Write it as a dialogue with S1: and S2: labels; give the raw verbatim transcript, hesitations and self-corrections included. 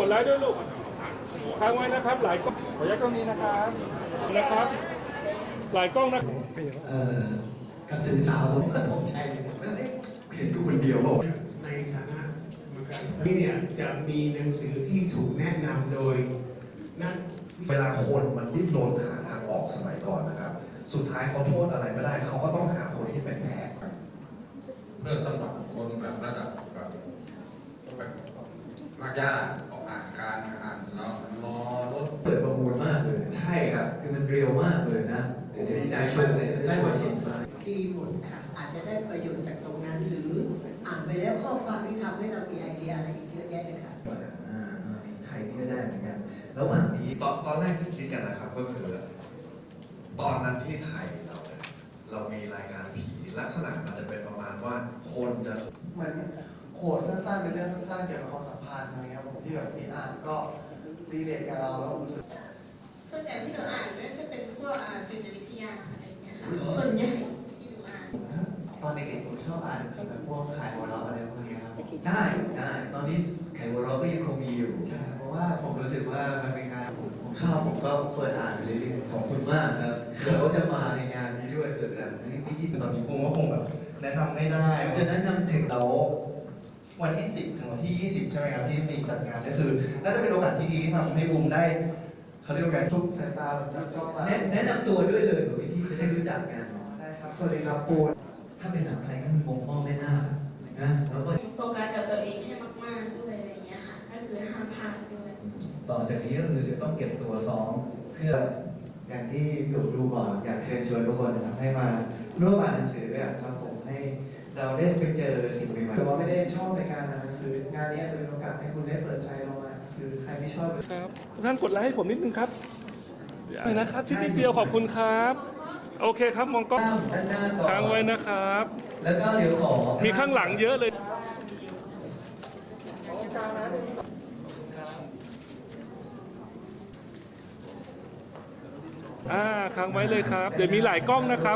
S1: ไลค์ด้วยลูกค้างไว้นะครับหลายกล้องขออนุญาตกล้องนี้นะครับนะครับหลายกล้องนะ
S2: เอ่อกระสือสาวผมก็ตกใจเลยนะเห็นอยู่คนเดียวบอก
S3: ในฐานะกรรมการนี่เนี่ยจะมีหนังสือที่ถูกแนะนำโดยนัก
S4: เวลาคนมันดิ้นรนหาทางออกสมัยก่อนนะครับ สุดท้ายเขาโทษอะไรไม่ได้เขาก็ต้องหาคนที่เป็นแพ้
S5: เพื่อสำหรับคนแบบระดับแบบแบบมากยากออกอ่านการอ่านแล้วรอรถ
S2: เปิดประมูลมากเลยใช่ครับคือมันเร็วมากเลยนะเดี๋ยวดีใจชมเลยได้มาเห็นมา
S6: ดีหมดค่ะอาจจะได้ประโยชน์จากตรงนั้นหรืออ่านไปแล้วข้อความที่ทำให้เรามีไอเดียอะไรอีกเยอะแยะเลยค่ะ
S2: อ่าไทยนี่ก็ได้เหมือนกันระหว่างนี้
S4: ตอนตอนแรกที่คิดกันนะครับก็คือ ตอนนั้นที่ไทยเราเนี่ยเรามีรายการผีลักษณะมันจะเป็นประมาณว่าคนจะ
S7: เหมือนโขดสั้นๆเป็นเรื่องสั้นๆเกี่ยวกับความสัมพันธ์อะไรครับผมที่แบบมีอ่านก็รีเลทกับเราแล้วรู้สึก
S8: ส่วนใหญ่ที่หนูอ่านเนี่ยจะเป็นพวกจิตวิทยาอะไรอย่างเงี้ยค่ะส่วนใหญ่ที่หนูอ่าน
S7: ตอนเด็กๆผมชอบอ่านคือแบบพวกขายหัวเราะอะไรพวกนี้ครับ
S2: ได้ได้ตอนนี้ไขวัวเราก็ยังคงมีอยู่
S7: ใช่เพราะว่าผมรู้สึกว่ามันเป็นงานผมผมชอบผมก็เปิดอ่านไปเรื่อยๆ
S2: ขอบคุณมากครับเดี๋ยวจะมาในงานนี้ด้วยเกิดแบบวิธี
S7: ตอนนี้ผมก็คงแบบแนะนำไม่ได้
S2: จะแนะนำถึงเรา
S7: วันที่สิบถึงวันที่ยี่สิบใช่ไหมครับที่มีจัดงานก็คือน่าจะเป็นโอกาสที่ดีที่ทำให้บูมได้เขาเรียกว่าการทุกสายตาจับจ้องมา
S2: แนะนำตัวด้วยเลยวิธีจะได้รู้จักกัน
S7: ได้ครับสวัสดีครับปู
S2: ถ้าเป็นหนังไทยก็คือมองมองไม่น่านะแล้วก็
S8: โฟกัสกับตัวเองให้มากๆด้วยอะไรอย่างเงี้ยค่ะก็คือห้ามพลาดด้วย
S2: ต่อจากนี้ก็คือเดี๋ยวต้องเก็บตัวซ้อมเพื่อ
S7: อย่างที่พี่อู๋ดูบอกอยากเชิญชวนทุกคนนะครับให้มาร่วมอ่านหนังสือด้วยครับผมให้เราได้ไปเจอสิ่งใหม่ๆแต่ว่าไม่ได้ชอบในการอ่านหนังสืองานนี้จะเป็นโอกาสให้คุณได้เปิดใจลองอ่านหนังสือใครที่ชอบ
S1: ครับทุกท่านกดไลค์ให้ผมนิดนึงครับนะครับชิ้นนิดเดียวขอบคุณครับโอเคครับมองกล้องค้างไว้นะครับ
S2: แล้วก็เดี๋ยวขอ
S1: มีข้างหลังเยอะเลยอ่าค้างไว้เลยครับเดี๋ยวมีหลายกล้องนะครับ